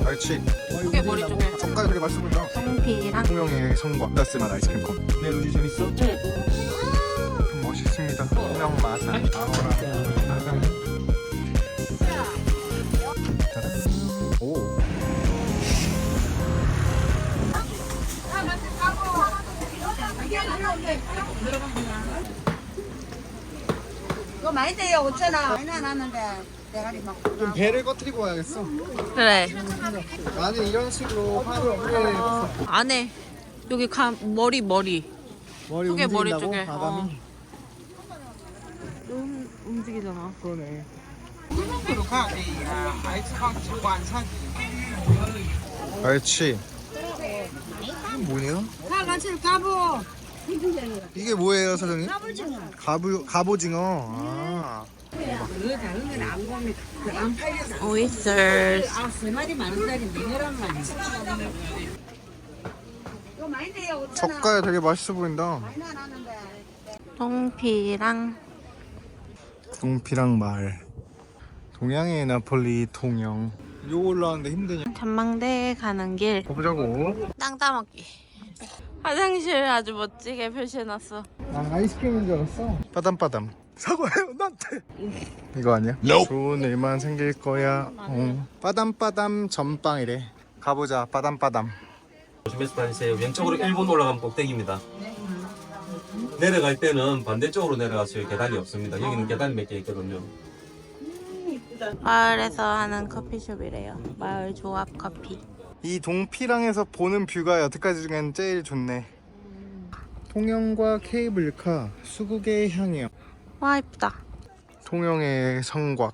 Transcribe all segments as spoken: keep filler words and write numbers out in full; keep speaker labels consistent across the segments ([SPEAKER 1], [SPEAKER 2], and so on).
[SPEAKER 1] 알치.
[SPEAKER 2] 그게 머리 쪽에.
[SPEAKER 1] 젓갈 되게 맛있어 보인다.
[SPEAKER 2] 성피랑
[SPEAKER 1] 통영의 성과 따스한 아이스크림 콘. 네, 루지 재밌어?
[SPEAKER 2] 응.
[SPEAKER 1] 멋있습니다. 통영 마산 아호라 마산. 오.
[SPEAKER 3] 이거 많이 돼요. 오천 원. 많이 안 하는데 대가리 막.
[SPEAKER 1] 좀 배를 꺼뜨리고 와야겠어.
[SPEAKER 2] 그래.
[SPEAKER 1] 나는 이런 식으로 화를 뿌려야겠어.
[SPEAKER 2] 안에 여기 가 머리 머리.
[SPEAKER 1] 머리
[SPEAKER 2] 그게 머리
[SPEAKER 1] 움직인다고?
[SPEAKER 2] 쪽에.
[SPEAKER 1] 바람이?
[SPEAKER 2] 음, 움직이잖아.
[SPEAKER 1] 그러네. 알치. 이게 뭐냐?
[SPEAKER 3] 다 같이 가보.
[SPEAKER 1] 이게 뭐예요, 사장님? 갑오, 갑오징어. 아.
[SPEAKER 3] 그거 작은 건 안 봅니다. 안 팔려서.
[SPEAKER 2] 오이스터스.
[SPEAKER 3] 아, 세 마리 만 원짜리인데 열한 마리. 이거 많이 돼요. 오천 원.
[SPEAKER 1] 젓갈 되게 맛있어 보인다.
[SPEAKER 3] 많이 안 하는데.
[SPEAKER 2] 성피랑
[SPEAKER 1] 동피랑 마을. 동양의 나폴리 통영. 요 올라왔는데 힘드냐?
[SPEAKER 2] 전망대 가는 길.
[SPEAKER 1] 가보자고.
[SPEAKER 2] 땅 따먹기. 화장실 아주 멋지게 표시해놨어.
[SPEAKER 1] 아, 아이스크림인 줄 알았어. 빠담빠담. 사과해요, 나한테. 이거 아니야? 좋은 일만 생길 거야. 어. 빠담빠담 전빵이래. 가보자, 빠담빠담.
[SPEAKER 4] 조심해서 다니세요. 왼쪽으로 일 분 올라가면 꼭대기입니다. 내려갈 때는 반대쪽으로 내려가세요. 계단이 없습니다. 여기는 계단이 몇 개 있거든요.
[SPEAKER 2] 마을에서 하는 커피숍이래요. 마을 조합 커피.
[SPEAKER 1] 이 동피랑에서 보는 뷰가 여태까지 중엔 제일 좋네. 통영과 케이블카, 수국의 향이요.
[SPEAKER 2] 와 이쁘다.
[SPEAKER 1] 통영의 성곽.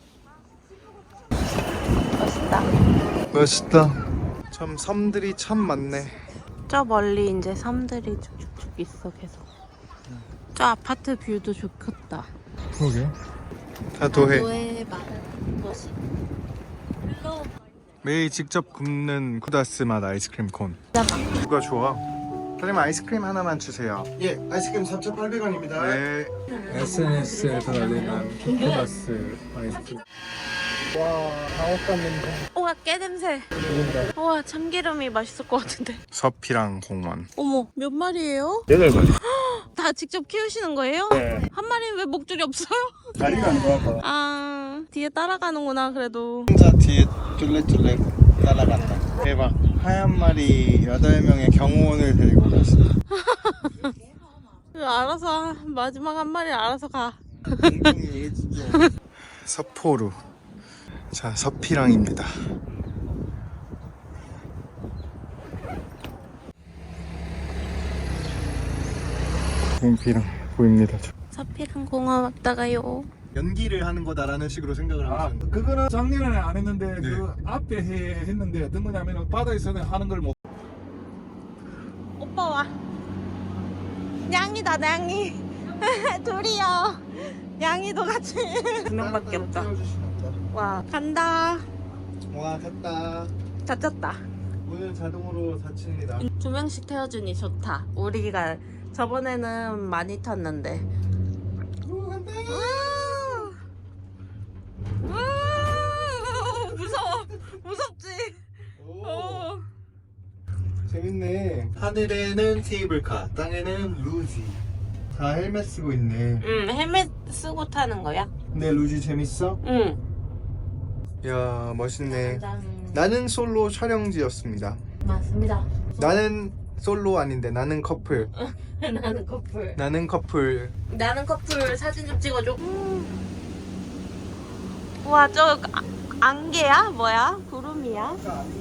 [SPEAKER 2] 멋있다.
[SPEAKER 1] 멋있다. 참 섬들이 참 많네.
[SPEAKER 2] 저 멀리 이제 섬들이 쭉쭉쭉 있어 계속. 저 아파트 뷰도 좋겠다.
[SPEAKER 1] 그러게. 다도해.
[SPEAKER 2] 도해 마을 멋있.
[SPEAKER 1] 매일 직접 굽는 쿠다스 맛 아이스크림 콘. 누가 좋아? 사장님 아이스크림 하나만 주세요. 예, 아이스크림 사천팔백 원입니다. 네.
[SPEAKER 5] 에스엔에스에 달리는 쿠다스 아이스크림.
[SPEAKER 1] 와, 방앗간 냄새.
[SPEAKER 2] 우와 깨 냄새. 우와 참기름이 맛있을 것 같은데.
[SPEAKER 1] 서피랑 공원.
[SPEAKER 2] 어머 몇 마리예요?
[SPEAKER 5] 여덟 마리.
[SPEAKER 2] 다 직접 키우시는 거예요?
[SPEAKER 5] 네.
[SPEAKER 2] 한 마리는 왜 목줄이 없어요?
[SPEAKER 5] 다리가 안 좋아서.
[SPEAKER 2] 아 뒤에 따라가는구나 그래도.
[SPEAKER 1] 혼자 뒤에 쫄래쫄래 따라간다. 대박. 하얀 말이 여덟 명의 경호원을 데리고 갔어.
[SPEAKER 2] 알아서 마지막 한 마리 알아서 가.
[SPEAKER 1] 서포루. 자, 서피랑입니다. 동피랑 보입니다.
[SPEAKER 2] 서피랑 공원 왔다가요.
[SPEAKER 1] 연기를 하는 거다라는 식으로 생각을
[SPEAKER 5] 아,
[SPEAKER 1] 하시는.
[SPEAKER 5] 그거는 작년에 안 했는데
[SPEAKER 1] 네.
[SPEAKER 5] 그 앞에 해, 했는데 어떤 거냐면 바다에서는 하는 걸 못.
[SPEAKER 2] 오빠 와. 냥이다 냥이. 둘이요. 냥이도 같이. 두 명밖에 없다. 와 간다.
[SPEAKER 1] 와, 됐다.
[SPEAKER 2] 다쳤다.
[SPEAKER 1] 문은 자동으로 닫힙니다.
[SPEAKER 2] 두 명씩 태워주니 좋다. 우리가 저번에는 많이 탔는데. 우와. 우와. 무서워. 무섭지. 어.
[SPEAKER 1] 재밌네. 하늘에는 케이블카, 땅에는 루지. 다 헬멧 쓰고 있네.
[SPEAKER 2] 응 헬멧 쓰고 타는 거야?
[SPEAKER 1] 근데 루지 재밌어?
[SPEAKER 2] 응.
[SPEAKER 1] 야, 멋있네.
[SPEAKER 2] 짠.
[SPEAKER 1] 나는 솔로 촬영지였습니다.
[SPEAKER 2] 맞습니다.
[SPEAKER 1] 나는 솔로 아닌데 나는 커플.
[SPEAKER 2] 나는 커플.
[SPEAKER 1] 나는 커플.
[SPEAKER 2] 나는 커플 사진 좀 찍어줘. 우와 저 아, 안개야? 뭐야? 구름이야?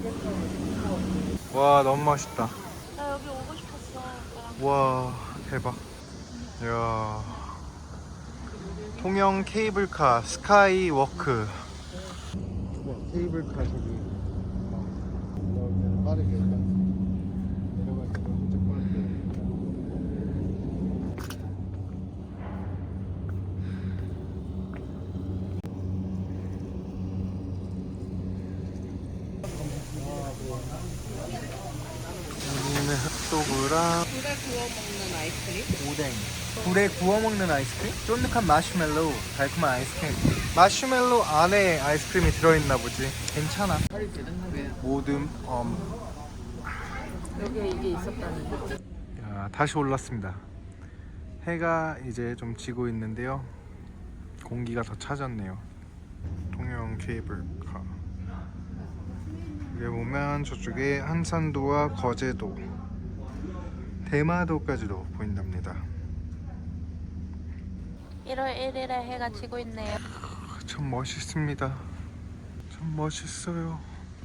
[SPEAKER 1] 와, 너무 멋있다.
[SPEAKER 2] 나 여기 오고 싶었어. 오빠랑.
[SPEAKER 1] 와, 대박. 이야. 통영 케이블카 스카이 워크. 와, 케이블카 저기. 어, 빠르게 일단 내려갈 때 진짜 빠르게. 여기는 핫도그랑
[SPEAKER 2] 불에 구워 먹는 아이스크림?
[SPEAKER 1] 오뎅. 불에 구워 먹는 아이스크림? 쫀득한 마시멜로우, 달콤한 아이스크림. 마시멜로우 안에 아이스크림이 들어있나 보지. 괜찮아. 모듬 엄.
[SPEAKER 2] 여기에 이게 있었다는 거지?
[SPEAKER 1] 야, 다시 올랐습니다. 해가 이제 좀 지고 있는데요. 공기가 더 차졌네요. 통영 케이블카. 여기 보면 저쪽에 한산도와 거제도, 대마도까지도 보인답니다.
[SPEAKER 2] 일월 일일에 해가 지고 있네요.
[SPEAKER 1] 참 멋있습니다. 참 멋있어요.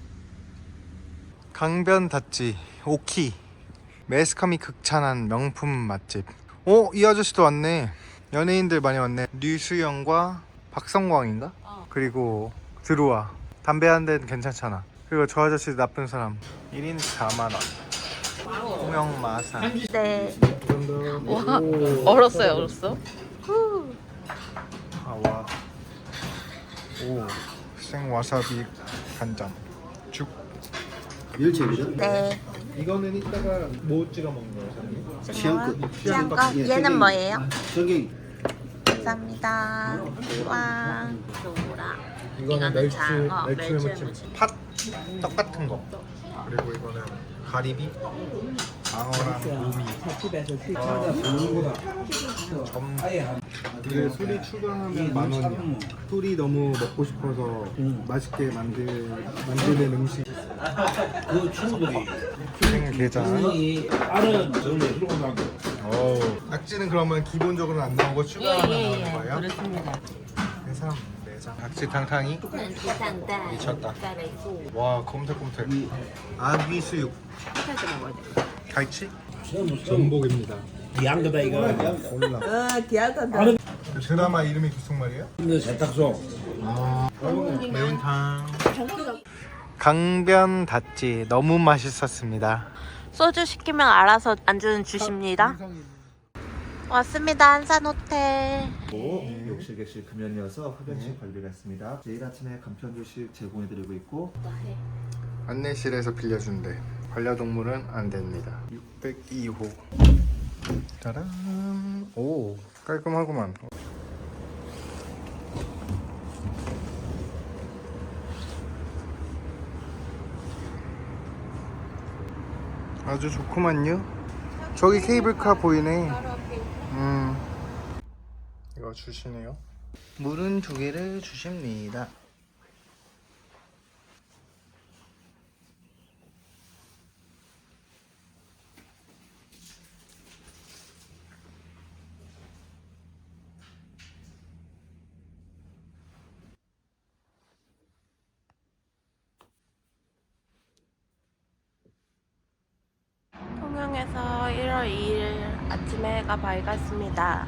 [SPEAKER 1] 강변 닷지 오키, 매스컴이 극찬한 명품 맛집. 어? 이 아저씨도 왔네. 연예인들 많이 왔네. 류수영과 박성광인가?
[SPEAKER 2] 어.
[SPEAKER 1] 그리고 드루아. 담배 한 대는 괜찮잖아. 그리고 저 아저씨 나쁜 사람. 일 인 사만 원. 통영 마산.
[SPEAKER 2] 네. 와, 얼었어요, 얼었어? 후.
[SPEAKER 1] 아와. 오. 생와사비 간장. 죽.
[SPEAKER 6] 멸치이죠?
[SPEAKER 2] 네.
[SPEAKER 1] 이거는 이따가 뭐 찍어 먹는 거예요, 사장님?
[SPEAKER 6] 취향껏.
[SPEAKER 2] 취향껏.
[SPEAKER 6] 예,
[SPEAKER 2] 얘는
[SPEAKER 6] 저기-
[SPEAKER 2] 뭐예요?
[SPEAKER 6] 저기
[SPEAKER 2] 감사합니다. 와. 소라.
[SPEAKER 1] 이거는 멸치,
[SPEAKER 2] 장어,
[SPEAKER 1] 멸치
[SPEAKER 2] 멸치
[SPEAKER 1] 무침.
[SPEAKER 2] 무침.
[SPEAKER 1] 팥, 떡 같은 거. 그리고 이거는 가리비, 장어랑 오미. 아, 점. 이게 술이 추가하면 만 원이야. 술이 너무 먹고 싶어서 맛있게 만들 만드는 음식.
[SPEAKER 6] 그 충분히
[SPEAKER 1] 생게장.
[SPEAKER 5] 다른 저기 들어온다는 거.
[SPEAKER 1] 오. 낙지는 그러면 기본적으로 안 나오고 추가하면 나오는 거예요?
[SPEAKER 2] 그렇습니다.
[SPEAKER 1] 해삼, 내장. 낙지 탕탕이. 미쳤다. 와, 곰탕곰탕. 아귀 수육. 갈치? 전복입니다.
[SPEAKER 6] 양거다 이거.
[SPEAKER 1] 몰라.
[SPEAKER 3] 어, 귀하다.
[SPEAKER 1] 그 드라마 이름이 무슨 말이에요?
[SPEAKER 6] 근데 세탁소.
[SPEAKER 1] 아, 매운탕. 강변 닷지 너무 맛있었습니다.
[SPEAKER 2] 소주 시키면 알아서 안주는 주십니다. 왔습니다. 한산호텔.
[SPEAKER 7] 욕실 객실 금연이어서 흡연실 관리를 했습니다. 내일 아침에 간편 조식 제공해드리고 있고
[SPEAKER 1] 안내실에서 빌려준대. 반려동물은 안 됩니다. 육백이 호. 짜란. 오, 깔끔하구만. 아주 좋구만요. 저기 케이블카 보이네. 음. 이거 주시네요. 물은 두 개를 주십니다.
[SPEAKER 2] 통영에서 일월 이일 아침에 해가 밝았습니다.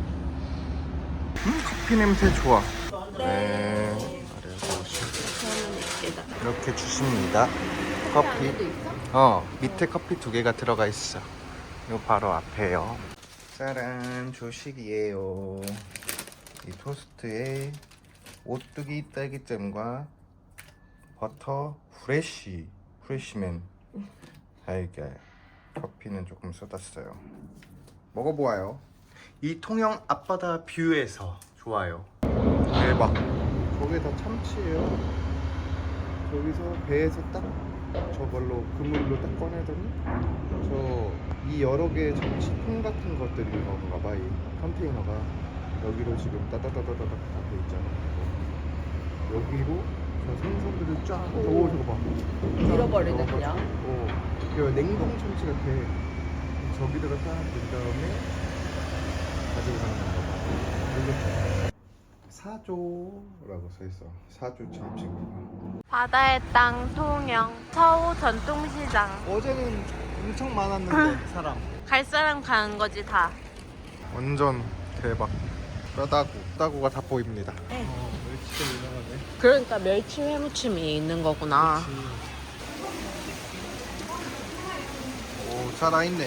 [SPEAKER 1] 음, 커피 냄새 좋아. 네. 그래서
[SPEAKER 2] 저는 있겠다.
[SPEAKER 1] 이렇게 주십니다. 커피. 어, 밑에 커피 두 개가 들어가 있어. 이거 바로 앞에요. 짜란, 조식이에요. 이 토스트에 오뚜기 딸기잼과 버터 프레쉬, 프레쉬맨 달걀. 커피는 조금 쏟았어요. 먹어보아요. 이 통영 앞바다 뷰에서 좋아요. 대박. 저게 다 참치예요. 저기서 배에서 딱 저걸로 그물로 딱 꺼내더니 저 이 여러 개의 참치통 같은 것들이 건가 봐. 이 컨테이너가 여기로 지금 따다다다다닥 다 돼 있잖아. 여기로 저 생선들을 쫙. 오, 저거 봐.
[SPEAKER 2] 잃어버리네, 그냥.
[SPEAKER 1] 어, 이거 냉동 참치 같아. 저기다가 딱 된 다음에 가지고 가는 건가 봐. 이거 사조라고 써있어. 사조 참치구나.
[SPEAKER 2] 바다의 땅 통영 서우 전통시장.
[SPEAKER 1] 어제는 엄청 많았는데 사람.
[SPEAKER 2] 갈 사람 가는 거지 다.
[SPEAKER 1] 완전 대박. 뼈다구, 뼈다구가 다 보입니다. 어, 멸치가 유명하네.
[SPEAKER 2] 그러니까 멸치 회무침이 있는 거구나.
[SPEAKER 1] 오, 살아있네.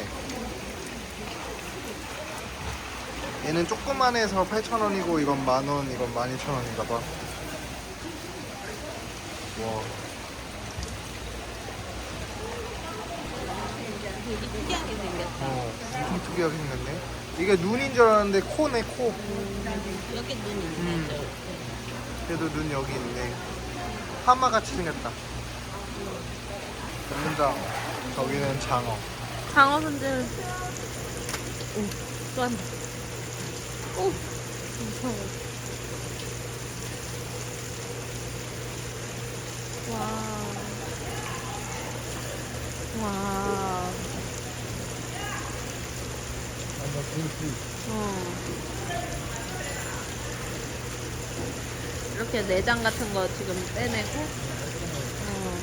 [SPEAKER 1] 얘는 조그만해서 팔천 원이고 이건 만 원, 이건 만 이천 원인가 봐. 와.
[SPEAKER 2] 되게 특이하게 생겼다.
[SPEAKER 1] 어, 엄청 특이하게 생겼네. 이게 눈인 줄 알았는데 코네, 코.
[SPEAKER 2] 여기 눈
[SPEAKER 1] 음.
[SPEAKER 2] 있네.
[SPEAKER 1] 얘도 눈 여기 있네. 하마같이 생겼다. 문장. 저기는 장어.
[SPEAKER 2] 장어 손질. 오, 또 한다. 오, 무서워. 와. 와. 어. 이렇게 내장 같은 거 지금 빼내고. 어.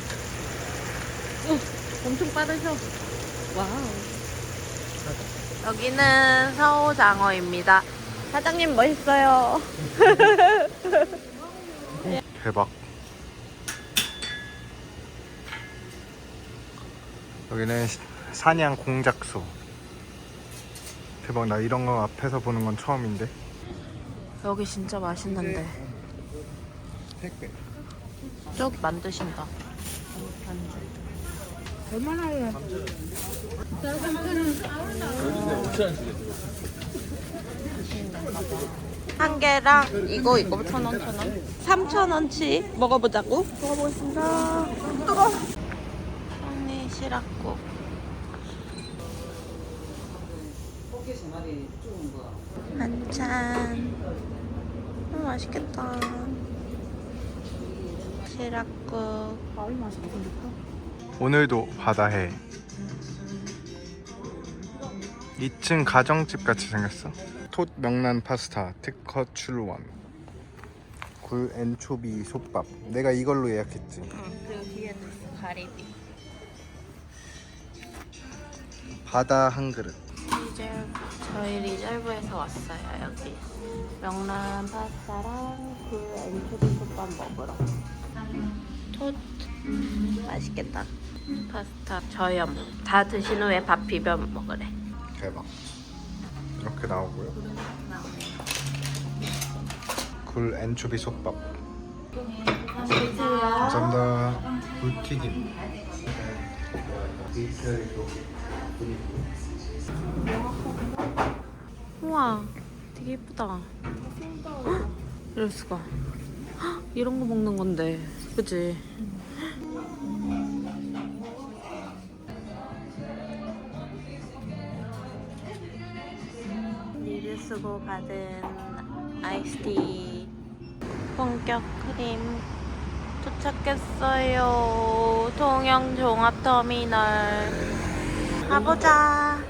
[SPEAKER 2] 오, 엄청 빠르셔. 와우. 여기는 서우장어입니다. 사장님 멋있어요.
[SPEAKER 1] 대박. 여기는 시- 사냥 공작소. 대박. 나 이런 거 앞에서 보는 건 처음인데.
[SPEAKER 2] 여기 진짜 맛있는데.
[SPEAKER 1] 택배.
[SPEAKER 2] 저기 만드신다. 한 개랑 이거 이거 천 원, 천 원. 삼천 원치 먹어보자고. 먹어보겠습니다. 뜨거. 언니 시락국. 한찬. 음, 맛있겠다. 시락국.
[SPEAKER 1] 오늘도 바다해. 이 층 가정집 같이 생겼어. 톳 명란 파스타 특허 출원. 굴 엔초비 솥밥. 내가 이걸로 예약했지.
[SPEAKER 2] 응, 그리고 뒤에도 있어, 가리비.
[SPEAKER 1] 바다 한 그릇.
[SPEAKER 2] 리젤브, 저희 리젤브에서 왔어요, 여기. 명란 파스타랑 굴 엔초비 솥밥 먹으러. 톳. 맛있겠다. 파스타 저염. 다 드신 후에 밥 비벼 먹으래.
[SPEAKER 1] 대박. 이렇게 나오고요. 굴 엔초비 솥밥. 감사합니다. 굴튀김.
[SPEAKER 2] 우와, 되게 예쁘다. 헉, 이럴 수가. 헉, 이런 거 먹는 건데, 그치? 리뷰 쓰고 받은 아이스티 본격 크림 도착했어요. 통영 종합터미널 가보자.